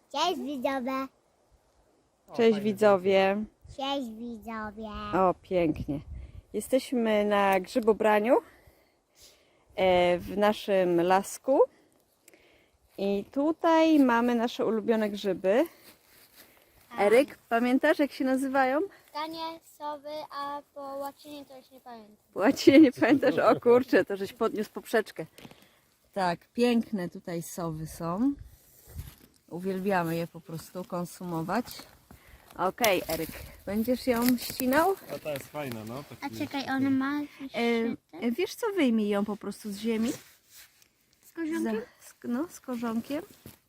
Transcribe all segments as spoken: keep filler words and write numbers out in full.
Cześć widzowie. Cześć widzowie. Cześć widzowie. O, pięknie. Jesteśmy na grzybobraniu e, w naszym lasku. I tutaj mamy nasze ulubione grzyby. Eryk, pamiętasz jak się nazywają? Kanie, sowy, a po łacinie to już nie pamiętam. Po łacinie nie pamiętasz? O kurczę, to żeś podniósł poprzeczkę. Tak, piękne tutaj sowy są. Uwielbiamy je po prostu konsumować. Okej, Eryk, będziesz ją ścinał? A ta jest fajna, no. A Taki czekaj, ona ma E, wiesz co, wyjmij ją po prostu z ziemi. z korzonkiem? Za, z, no, z korzonkiem.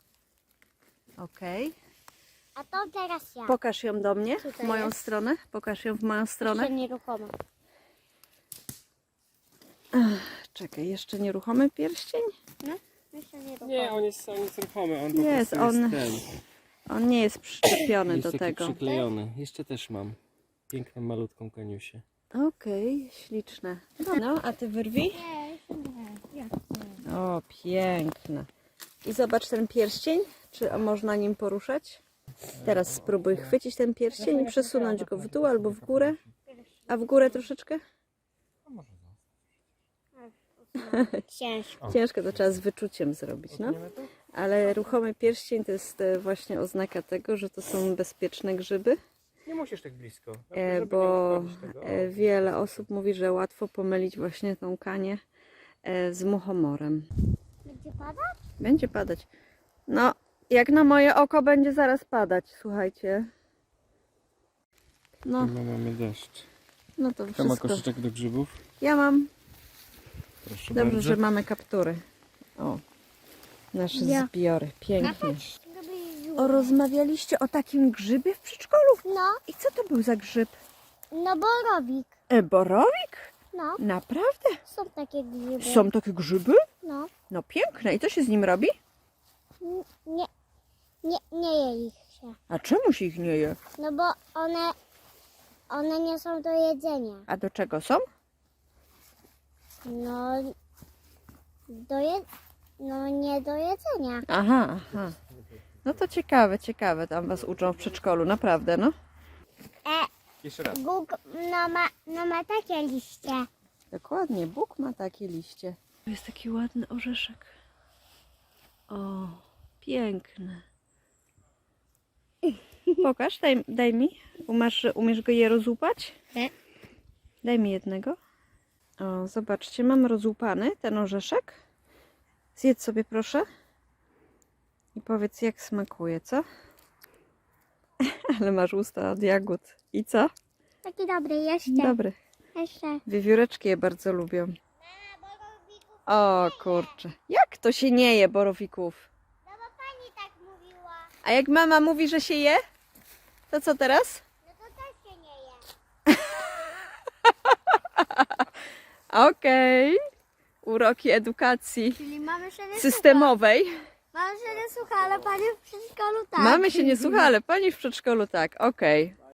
Okej. A to teraz ja. Pokaż ją do mnie, Tutaj w moją jest. stronę. Pokaż ją w moją stronę. Jeszcze nieruchoma. Czekaj, jeszcze nieruchomy pierścień? No, jeszcze nieruchoma. Nie, on jest, on jest ruchomy, on po Jest, prostu on- jest ten. On nie jest przyczepiony Jest do taki tego. przyklejony. Jeszcze też mam. Piękną, malutką kaniusię. Okej, śliczne. No, a ty wyrwij. Nie, jeszcze nie. Ja. O, piękne. I zobacz ten pierścień. Czy można nim poruszać? Teraz spróbuj chwycić ten pierścień i przesunąć go w dół albo w górę. A w górę troszeczkę? Ciężko. Ciężko, to trzeba z wyczuciem zrobić, no. Ale ruchomy pierścień to jest e, właśnie oznaka tego, że to są bezpieczne grzyby, Nie musisz tak blisko. e, żeby bo nie uszkodzić tego. O, e, wiele osób mówi, że łatwo pomylić właśnie tą kanię e, z muchomorem. Będzie padać? Będzie padać. No, jak na moje oko będzie zaraz padać, słuchajcie. No, No, mamy deszcz. no to Kto ma wszystko. koszyczek do grzybów? Ja mam. Proszę Dobrze, bardzo. że mamy kaptury. O, nasze Ja. zbiory. Pięknie. Żeby O, rozmawialiście o takim grzybie w przedszkolu? No, I co to był za grzyb? no borowik. E, borowik? No, Naprawdę? są takie grzyby. Są takie grzyby? No, No piękne. I co się z nim robi? N- nie, nie, nie je ich się. A czemu się ich nie je? No bo one, one nie są do jedzenia. A do czego są? No, do je, no nie do jedzenia. Aha, aha. No to ciekawe, ciekawe. Tam was uczą w przedszkolu, naprawdę, no. E, Jeszcze raz. Bóg no ma, no ma takie liście. Dokładnie, Bóg ma takie liście. To jest taki ładny orzeszek. O, piękny. Pokaż, daj, daj mi. Umasz, umiesz go je rozłupać? Nie. Daj mi jednego. O, zobaczcie, mam rozłupany ten orzeszek. Zjedz sobie proszę. I powiedz, jak smakuje, co? Ale masz usta od jagód. I co? Taki dobry, jeszcze. Dobry. Jeszcze. Wiewióreczki je bardzo lubią. O kurczę. Jak to się nie je borowików? No bo pani tak mówiła. A jak mama mówi, że się je? To co teraz? No to też się nie je. Okej. Uroki edukacji Czyli mamy się nie systemowej. słucha. Mamy się nie słucha, ale pani w przedszkolu tak. Mamy się nie słucha, ale pani w przedszkolu tak. Okej.